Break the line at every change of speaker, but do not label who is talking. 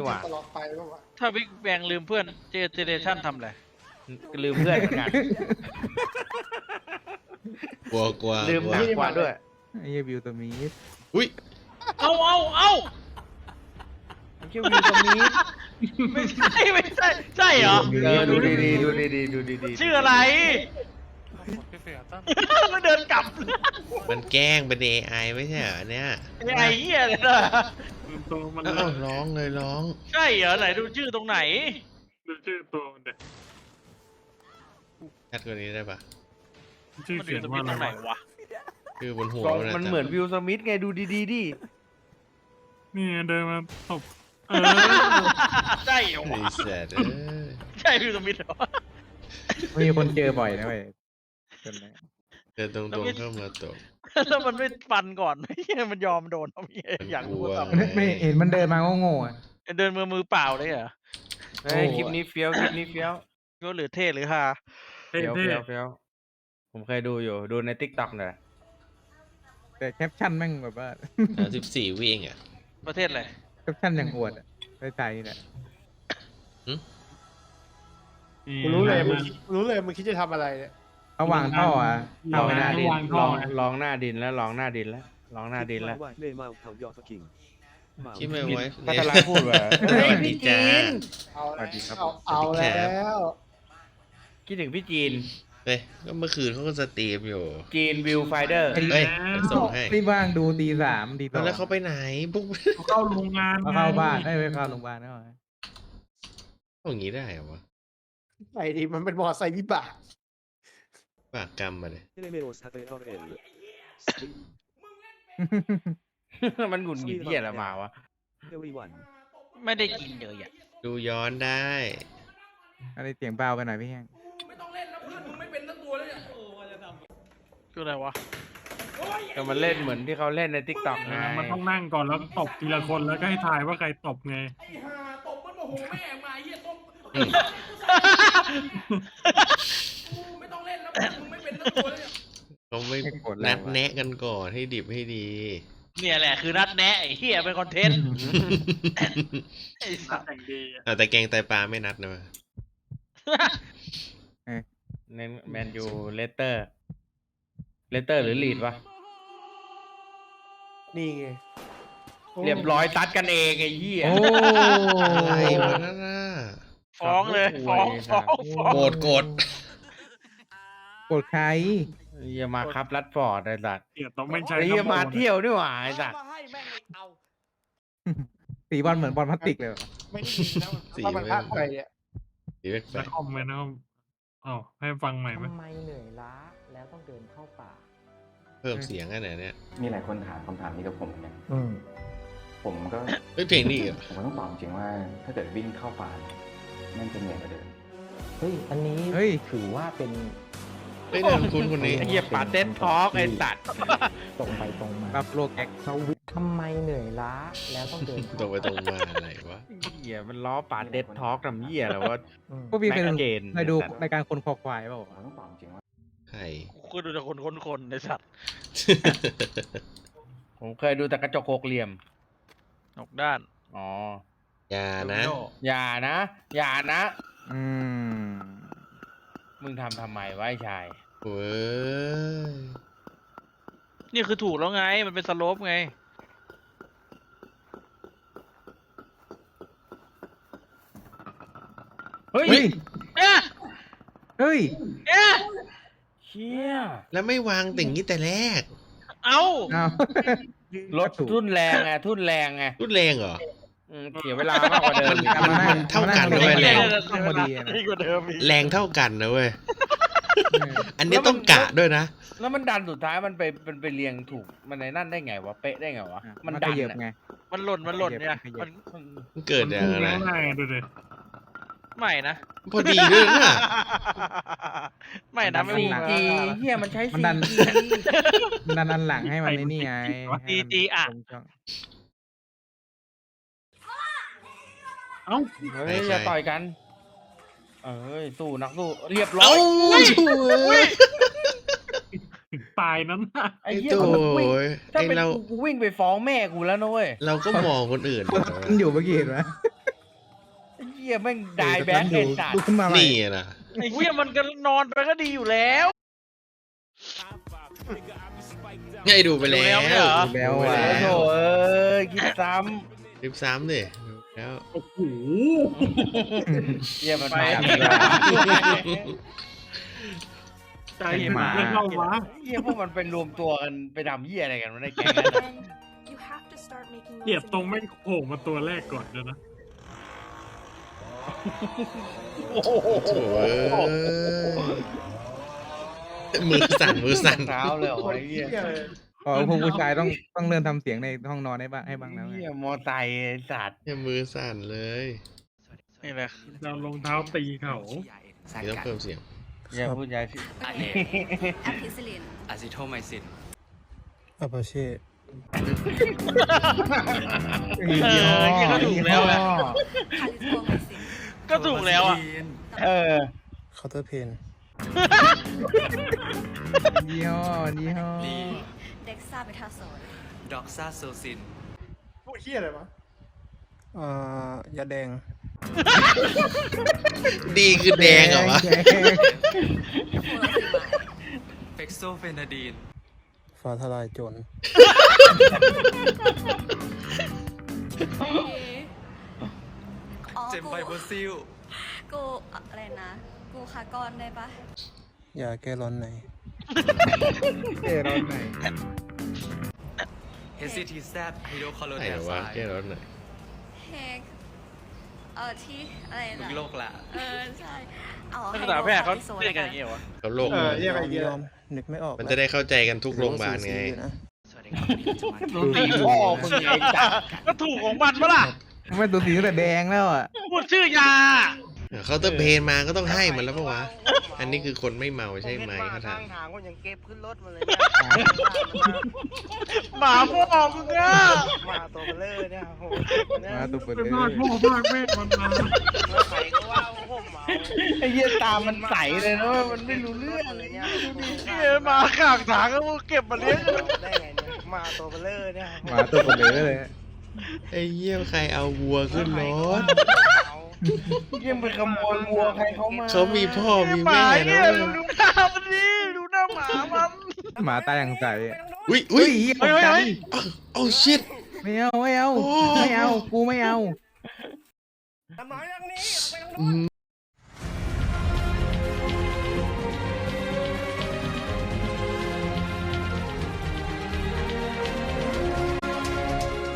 นี่หว่า
ตลอดไปป่าวะ
ถ้าบิ๊กแบงลืมเพื่อนเจเนเรชั่นทำอะไร
ลืมเพื่อนเหมือนกัน
กลัวกลัว
ลืมหนักกว่าด้วย
ไอ้เหี้ยวิวตัวมีด
อุ้ย
เอา
มันชื่อวิวตรงนี้
ไม่ใช่ใช่เหรอ
ดูดีๆดูดีๆดูดีๆ
ชื่ออะไรมันเดินกลับ
มันแกล้งเป็น AI ไม่ใช่เหรอเนี่ย
ไอ้เหี้ยเลยนะ
ตัวมัน
เอ้าร้องเลยร้อง
ใช่เหรอไหนดูชื่อตรงไหน
ดูชื่อตัวมันเด็ก
ชัดกว่านี้ได้ปะ
ชื่อ
มันอ
เขีย
ยู่
น
ตรง
ว่า
นี้
อะไร
ตรงไหน
วะ
วะ
คือบนหัว
มันเหมือนวิวสมิธไงดูดีๆดิ
นี่เดินมาตบ
ใช่เหรอ
ไอ้
วะ
แสดเอ้ย
ใช่พี่สมิธเหรอ
มีคนเจอบ่อยนะเว้ยจนไหน
เดินตรงๆเข้ามาตบ
แล้วมันไม่ฟันก่อนไม่ใช่มันยอมโดนเอาเหี้ยอยากรู้ว่า
มันกลัว
ทำ
ไม่เห็นมันเดินมาโง่ๆอ่ะ
เดินมือเปล่าเลยเหรอ
เฮ้ยคลิปนี้เฟี้ยวคลิปนี้เฟี้ยว
ก็หรือเท่หรือฮา
เท่
เฟี้ยวเฟี้ยวผมเคยดูอยู่ดูในทิกต็อกเนี่ย
แต่แคปชั่นแม่งแบบว่า
14วิเองอ่ะ
ประเทศอะไร
แคปชั่นอย่างอวดอ่ะได้ใจแหละ
กูรู้เลยมึงคิดจะทำอะไรเนี่ย
เขาวางท่ออ่ะ
ล
เอา
อง
ไม่
ห
ได้
น้าดิน
วางท่อ
ลองหน้าดินแล้วลองหน้าดินแล้วลองหน้าดินแล้ว
คิดไม่ไว้
พัทลาพูดว่า
สวัสดีจ้า
เอา
สวัสดีครับ
เอา
สวัสดีครั
แล้
บ
ว
คิดถึงพี่จีน
เฮ้ยก็เมื่อคืนเขาก็สตรีมอยู่
จีนวิวไฟเดอร์
เฮ้ยเดี๋ยวส่งให้
รีบว่างดูตีสามตีสอง
แล้วเขาไปไหนปุ๊บ
เขาเข้าโรงงาน
เขาเข้าบ้านไม่เข้าโรงพยาบาลแล้ว
เอาอย่างนี้ได้เหรอวะ
ไอ้ดิมันเป็นมอไซค์วิบาก
ปากกรรมมาเลย
มันหงุดหงิดเหี้ยอะไรมาวะ
ไม่ได้กินเลยอ่ะ
ดูย้อนได้
อะไรเสียงเบาไปหน่อยพี่แห้ง
คืออะไรวะ
ก็มันเล่นเหมือนที่เขาเล่นในทิกต็อกไง
มันต้องนั่งก่อนแล้วตบทีละคนแล้วก็ให้ทายว่าใครตบไง
เขาไม่
ไม่กดแล้ว
นัดแนะกันก่อนให้ดิบให้ดี
เนี่ยแหละคือนัดแนะไอ้เหี้ยเป็นคอนเทนต์ไอ้สัส
แต่งดีอะ
แต่แกงไตปลาไม่นัดนะวะ
เน้นแมนยูเลสเตอร์หรือลีดวะ
นี่ไง
เรียบร้อยตัดกันเองไอ้เหี้ย
โอ้
อะไรวะนั่นน่ะ
ฟ้องเลยฟ้อง
โกรธโกรธ
กดใคร
อย่ามาครับรัดฟอร์ดไอ้สัตว์
เดี๋ยวต้องไม่ใช่
ไอ้เหี้ยมาเที่ยวด้วยว่ะไอ้สัตว์
สีบอลเหมือนบอลพลาสติกเลย
ไม่ได้ยินนะถ้ามันพลาดไปเนี่ย
ดีแปล
แล้ว
ก
คอมเมนต์นะครับอ๋อให้ฟังใหม่ไหม
ทำไมเหนื่อยล้าแล้วต้องเดินเข้าป่า
ๆเพิ่มเสียงกันไหนเนี่ย
มีหลายคนถามคำถามนี้กับผมเหมือนกันผมก็
เฮ้ยเพลงนี้อีกเหรอ
ผมก็ต้องตอบจริงว่า ถ้าเกิดวิ่งเข้าป่าเนี่ยนั่นจะเหนื่อยกว่าเดิม
เฮ้ย อันนี้
เฮ้ย
ถือว่าเป็น
เฮ้ยนามคุณคนนี้
ไอ้เหี้ยปาเต้นทอล์กไอ้สัตว์
ตรงไปตรงมา
รับโลกแอค
เขาวิทำไมเหนื่อยล้าแล้วต้องเดิน
ตรงไปตรงมาอะไรวะ
เหี้ยมันล้อปาเต้นทอล์กทำเหี้ยแล้วว่า
อืม
พวกพี่เคย
แม็
ดู
กเกน
เคยดูรายการคนคอควายเปล่า
ผมก็ต้องตอบจริงว่า
ใคร
กูดูแต่คนในสัตว์
ผมเคยดูแต่กระจกหกเหลี่ยม
นอกด้าน
อ๋อ
อย่านะ
อย่านะ อย่านะ
อืม
มึงทำไมวะไอ้ชาย
เว้ย
นี่คือถูกแล้วไงมันเป็นสโลปไง
เฮ้ย
เฮ้ย
เอ๊ะ
เฮ้ย
เอ๊ะ
เชี่ย
แล้วไม่วางติ่งนี้แต่แรก
เอา
เอา
รถทุ่นแรงไงทุ่นแรงไง
รุนแรงเหรอ
เสียเวลามากกว่าเดิมอีก
มันเท่ากันด้วยแรง
ต้องพอดีอะนะ
นี่กว่าเดิมอีก
แรงเท่ากันนะเว้ย อันนี้ต้องกะด้วยนะ
แล้วมันดันสุดท้ายมันไปเรียงถูกมันในนั่นได้ไงวะเป๊ะได้ไงวะมันดัน
ขยับ
อะ
ไง
มันหล่นเนี่ย
ขยับ
มัน
มันเกิดอย่าง
มัน
ไร
พุ่งแล้วได้ดูดิ
ไม่นะ
พอดีด้วยนะ
ไม่นะไม่
ซี
พูด
จีเฮียมันใช้
มัน
ซี
ดัน
จี
มันดันหลังให้มันในนี่ไง
DG อ่ะ
เอ้า
เฮ้ยอย่าต่อยกัน เอ้ยสู้นักสู้เรียบร้อ
เอ้าย ช่วย
ถึงตายนั้นนะ
ไอ้
ไอ้
เหี้ย
โต
กูวิ่ง
ย
ถ้า
ไอ้
เป็น
เรา
กูวิ่งไปฟ้องแม่กูแล้วนะเว้ย
เราก็มองคนอื่น
มันอยู่เมื่อกี้เห็นไหม
หี้ยแม่งได้แบ็คไอ้สัต
ดู
ว์
ขึ้นมาใหม่
นี่นะ
ไอ้เหี้ยมันก็นอนไปก็ดีอยู่แล้ว
ให้ดูไปแล้ว
ดูแล้วเนี่ยเหรอ
แล้ว
โอ้
อ่ะ
โหคิดซ้
คลิปซ้ำดิแล้ว
โอ้โห
ำเหี้ยมันมา
ใจถึงแล้วเข้าวะ
เหี้ยพวกมันไปรวมตัวกันไปทำเหี้ยอะไรกันวะในแก๊งนั้นน่ะ
You have to start making
เกลียดตรงแม่งโผล่มาตัวแรกก่อนเลยนะ
โอ้โห
โถ่เอ้ยมือสั่นมือสั่น
เท้าเลยเหรอไอ้เหี้ย
อ๋อพวกผู้ชายต้องเริ่มทำเสียงในห้องนอนให้บ้างแล้วไง
เหี้ยมอไซค์ไอ้สัตว์
เนี่ยมือสั่นเลย
นี่แหละ
เรารองเท้าตีเขา
นี่ต้องเพิ่มเสียง
อย่าพูดยาสิ
แอมพิซิลิน
อะซิโทไมซิน
อาปาเช่
ก็ถูกแล้วแหละ
คาลิโทไมซิน
ก็ถูกแล้วอ่ะ
เออ
เคาน์เตอร์เพน
ยี่ห้อ
ดี
เด็กซาเบทาโซน
ดอกซาโซซิน
พวกเฮียอะไรวะยาแดง
ดีคือแดงเหรอวะ
โฟลาซิมาย
เฟกโซเฟนาดีน
ฟ้าทลายโจร
อ๋อ
เจมไบโบซิล
กูอะไรนะ กูคากอนได้ปะ
ยาแก้ร้อนใน
เท่ร้อนไหน
เฮซิทีแซดฮิโดคอโล
ไหน
เด
เหรอ
ไซ
วะแก้ร้อนหน่อย
เฮกที่อะไร
มึ
นะ
งโลกละ
ใช่อ๋อ
นักศึกษาแพทย์เขาเรียกกันอย่างเงี้ยวะ
เขาโลก
เรียกอะไรเงี้ยนึกไม่ออก
มันจะได้เข้าใจกันทุกโรงพยาบาลไง
สวัสดีครับวันนี้จะมา
รู้ตีพ่อมึงไงไอ้สัตว์
ก็ถูกของมันปะล่ะ
ไม่ตัวสีตั้งแต่แดงแล้วอ่ะ
พูดชื่อยา
เขาเตอร์เพนมาก็ต้องให้มันแล้วปะวะ อันนี้คือคนไม่เมาใช่ไหมเขาถาม
ทางก็ยังเก็บขึ้นรถมาเลย
หมาพ่อมึงอ่ะ
มาตัวเบลอเนี่ยโห
มาตัวเปิด
เป็น
เลย
บ้านพ่อบ้านแม่มันมา
ใครก็ว่าผมเมาไอ้เหี้ยตามันใสเลยนะมันไม่รู้เรื่องเลยเนี่ย
เหี้ยหมาข้างทางก็เก็บมาเลี้ยง
ได้ไงเนี่ยมาตัวเบลอเนี่ย
มาตัวเปิดเลย
ไอ้เยี่ยมใครเอาวัวขึ้นรถ
ยังไปขโมยวัวใครเขามา
เขามีพ่อมี
หมา
แม่
เนี่
นะ
ยดูหน้ามันดิดูหน้าหมามัน
หมาตายอย่างใส
อุ้ยอุ้ย
เฮ้ยเฮ้ยเฮ้ย
โอ้ชิต
ไม่เอา กูไม่เอา
อืม